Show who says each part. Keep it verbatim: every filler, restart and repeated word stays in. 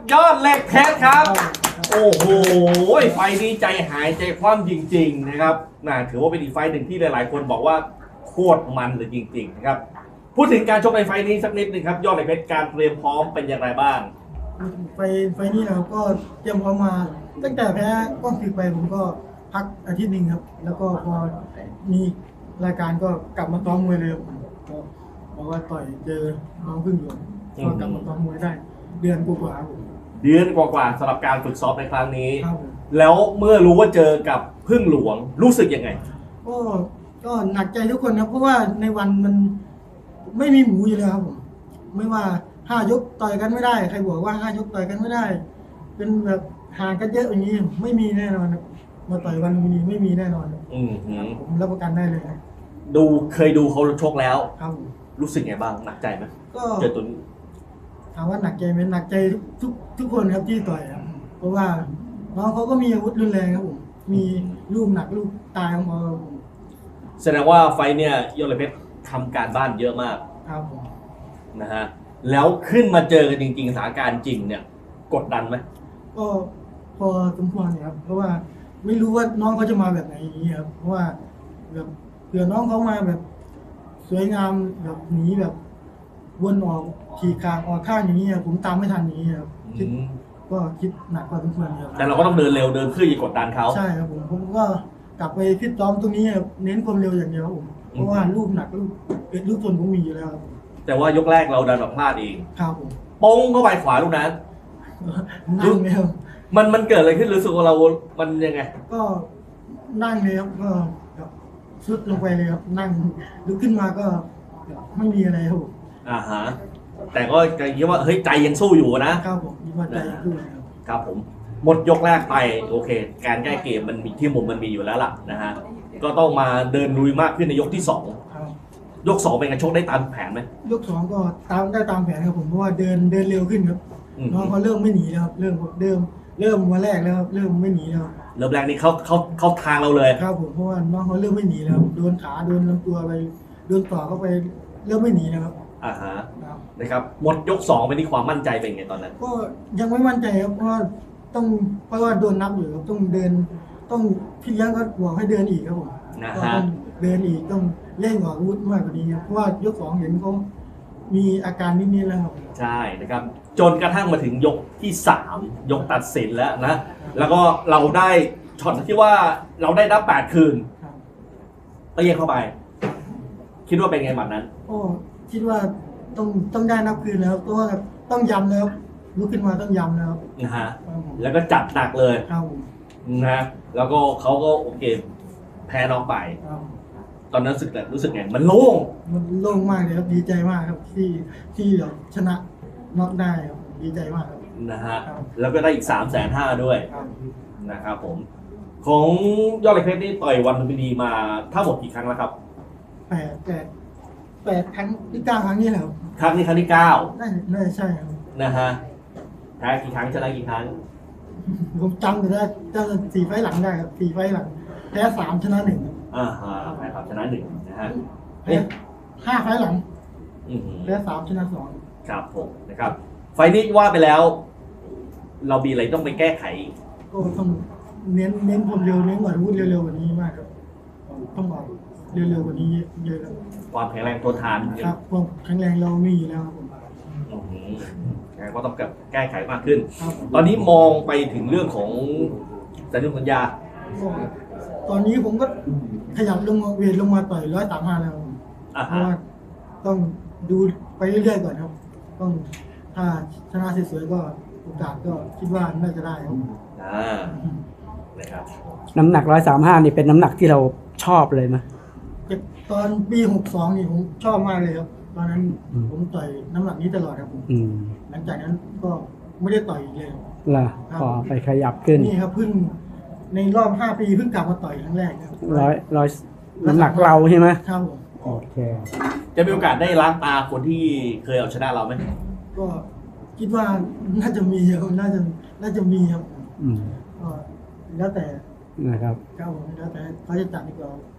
Speaker 1: ยอดเหล็กเพชรครับ โอ้โหไฟนี้ใจหายใจคว่ำจริงๆนะครับน่าถือว่าเป็นอีกไฟหนึ่งที่หลายๆคนบอกว่าโคตรมันเลยจริงๆนะครับพูดถึงการชกในไฟนี้สักนิดนึงครับยอดเหล็กเพชรการเตรียมพร้อมเป็นอย่างไรบ้าง
Speaker 2: ไฟไฟนี้นะครับก็เตรียมพร้อมมาตั้งแต่แพ้ก้องศึกไปผมก็พักอาทิตย์หนึ่งครับแล้วก็พอมีรายการก็กลับมาซ้อมมวยเลยก็บอกว่าต่อยเจอน้องพึ่งหลวงก็กลับมาซ้อมมวยได้เดือนกว่าๆครับ
Speaker 1: เดือนกว่าๆสำหรับการฝึกซ้อมในครั้งนี้
Speaker 2: ครับ
Speaker 1: แล้วเมื่อรู้ว่าเจอกับพึ่งหลวงรู้สึกยังไง
Speaker 2: ก็ก็หนักใจทุกคนครับเพราะว่าในวันมันไม่มีหมูอยู่แล้วครับผมไม่ว่าห้ายกต่อยกันไม่ได้ใครบอกว่าห้ายกต่อยกันไม่ได้เป็นแบบห่างกันเยอะอย่างนี้ไม่มีแน่นอนมาต่อยวันนี้ไม่มีแน่นอน
Speaker 1: อืม
Speaker 2: ผมรับประกันได้เลย
Speaker 1: ดูเคยดูเขาชกแล้ว
Speaker 2: ครับ
Speaker 1: รู้สึกไงบ้างหนักใจไหม
Speaker 2: ก็
Speaker 1: เจอตัวนี้
Speaker 2: ถามว่าหนักใจไหมหนักใจทุกทุกคนครับที่ต่อยครับเพราะว่าน้องเขาก็มีอาวุธรุนแรงครับผมมีลูกหนักลูกตายของเขา
Speaker 1: แสดงว่าไฟเนี่ยยอดเหล็กเพชรทำการบ้านเยอะมาก
Speaker 2: ครับผม
Speaker 1: นะฮะแล้วขึ้นมาเจอกันจริงๆสถานการณ์จริงเนี่ยกดดันไหม
Speaker 2: ก็พอสมควรครับเพราะว่าไม่รู้ว่าน้องเขาจะมาแบบไหนอย่างนี้ครับเพราะว่าแบบเผื่อน้องเขามาแบบสวยงามแบบหนีแบบวนออกขี่คางออกข้างอย่างนี้ครับผมตามไม่ทันอย่างนี้ครับคิดก็คิดหนักกว่าสมควรครับ
Speaker 1: แต่เราก็ต้องเดินเร็วเดินเพื่อจะกดดันเขา
Speaker 2: ใช่ครับผมผมก็กลับไปฟิตซ้อมตรงนี้เน้นความเร็วอย่างเดียวผมเพราะว่าลูกหนักลูกเป็นลูกทนผมมีอยู่แล้วครับ
Speaker 1: แต่ว่ายกแรกเราดันแบบพลาดเอง
Speaker 2: ครับผม
Speaker 1: ป้งเข้าไปขวาลูกนั้น
Speaker 2: นั่งเลยครับ
Speaker 1: มันมันเกิดอะไรขึ้นรู้สึกว่าเรา มันยังไง
Speaker 2: ก็นั่งเลยครับก็สุดลงไปเลยครับนั่งลุกขึ้นมาก็ไม่มีอะไรครับผม
Speaker 1: อ่าฮะแต่ก็คิดว่าเฮ้ยใจยังสู้อยู่นะครับ
Speaker 2: ผมคิดว่าใจยังสู้ครับ
Speaker 1: ครับผมหมดยกแรกไปโอเคการแก้เกมมันมีที่มุมมันมีอยู่แล้วล่ะนะฮะก็ต้องมาเดินลุยมากขึ้นในยกที่สองยกสองเป็นการชกได้ตามแผนไหม
Speaker 2: ยกสองก็ตามได้ตามแผนครับผมเพราะว่าเดินเดินเร็วขึ้นครับน้องเขาเริ่มไม่หนีแล้วครับเริ่มเริ่มเริ่มวันแรกแล้วครับเริ่มไม่หนีแล้ว
Speaker 1: เริ่มแรกนี่เขาเขาเขาทางเราเลย
Speaker 2: ครับผมเพราะว่าน้องเขาเริ่มไม่หนีแล้วโดนขาโดนลำตัวไปโดนต่อเข้าไปเริ่มไม่หนีแล้วครับ
Speaker 1: อ่าฮะนะครับหมดยกสองไปนี่ความมั่นใจเป็นไงตอนนั้น
Speaker 2: ก็ยังไม่มั่นใจครับเพราะว่าต้องเพราะว่าโดนนับอยู่ครับต้องเดินต้องพี่เลี้ยงก็บอกให้เดินอีกครับผมก็ต้องเดินอีกต้องเล่นหัวอาวุธมากกว่านี้ครับเพราะว่ายกสองเห็นเขามีอาการนิดๆแล้วครับ
Speaker 1: ใช่นะครับจนกระทั่งมาถึงยกที่สามยกตัดสินแล้วนะแล้วก็เราได้ช็อตที่ว่าเราได้นับแปดคืนเปี้ยเข้าไปคิดว่าเป็นไงหมัดนั้น
Speaker 2: โอ้คิดว่าต้องต้องได้นับคืนแล้วเพราะว่าต้องย้ำแล้วลุกขึ้นมาต้องย้ำแล้ว
Speaker 1: นะฮะแล้วก็จัดหนักเลยนะแล้วก็เขาก็โอเคแพ้น้องไปตอนนั้นรู้สึกรู้สึกไงมันโล่ง
Speaker 2: มันโล่งมากเลยครับดีใจมากครับที่ที่เราชนะน็อกได้ครับดีใจมากครับ
Speaker 1: นะฮะแล้วก็ได้อีกสามแสนห้าด้วยนะครับผมของยอดเหล็กเพชรนี่ต่อยวันลุมพินีมาทั้งหมดกี่ครั้งแล้วครับ
Speaker 2: แปดแปดแปดครั้งที่เก้าครั้งนี้แหละครับ
Speaker 1: ครั้งนี้ครั้งที่เก้า
Speaker 2: น่าน่าใช่ครับ
Speaker 1: นะฮะแพ้กี่ครั้งชนะกี่ครั้ง
Speaker 2: ผมจำได้จำสี่ไฟหลังได้ครับสี่ไฟหลังแพ้สามชนะหนึ่ง
Speaker 1: อ่าฮะแพ้สามชนะหนึ่งนะฮะ
Speaker 2: แพ้ห้าไฟหลังแพ้สามชนะสอง
Speaker 1: ครับผมนะครับไฟนี้ว่าไปแล้วเรามีอะไรต้องไปแก้ไข
Speaker 2: ก็ต้องเน้นเน้นความเร็วเน้นหวานวุ้นเร็วๆกว่านี้มากครับต้องบอกเร็วๆกว่านี้เยอะครับ
Speaker 1: ความแข็งแรงทนทาน
Speaker 2: ครับความแข็งแรงเรามีอยู่แล้วครับผม
Speaker 1: ก็ต้องแก้ไขมากขึ้นตอนนี้มองไปถึงเรื่องของสัญญาสัญญา
Speaker 2: ตอนนี้ผมก็ขยับลงเวทลงมาต่อยร้อยสามห้าแล้วเพราะว่าต้องดูไปเรื่อยๆก่อนครับต้องถ้าชนะสวยๆก็โอกาสก็คิดว่าน่าจะได้ครับ
Speaker 1: อ่านะครับ
Speaker 3: น้ำหนักร้อยสามห้านี่เป็นน้ำหนักที่เราชอบเลยไหม
Speaker 2: ตอนปีหกสองนี่ผมชอบมากเลยครับตอนนั้นผมต่อยน้ำหนักนี้ตลอดครับผมหลังจากนั้นก็ไม่ได้ต่อยเลย
Speaker 3: ล่ะพอไปขยับขึ้น
Speaker 2: นี่ครับเพิ่งในรอบห้าปีเพิ่งกลับมาต่อยครั้งแรกครับ
Speaker 3: ร้อยร้อยน้ำหนักเราใช่ไหม
Speaker 2: ครับผม
Speaker 3: โอเค
Speaker 1: จะมีโอกาสได้ล้างตาคนที่เคยเอาชนะเราไหม
Speaker 2: ก็คิดว่าน่าจะมีครับน่าจะน่าจะมีครับก็แล้วแต่
Speaker 3: นะครับ
Speaker 2: ครับผมแล้วแต่เขาจะจัดดีกว่า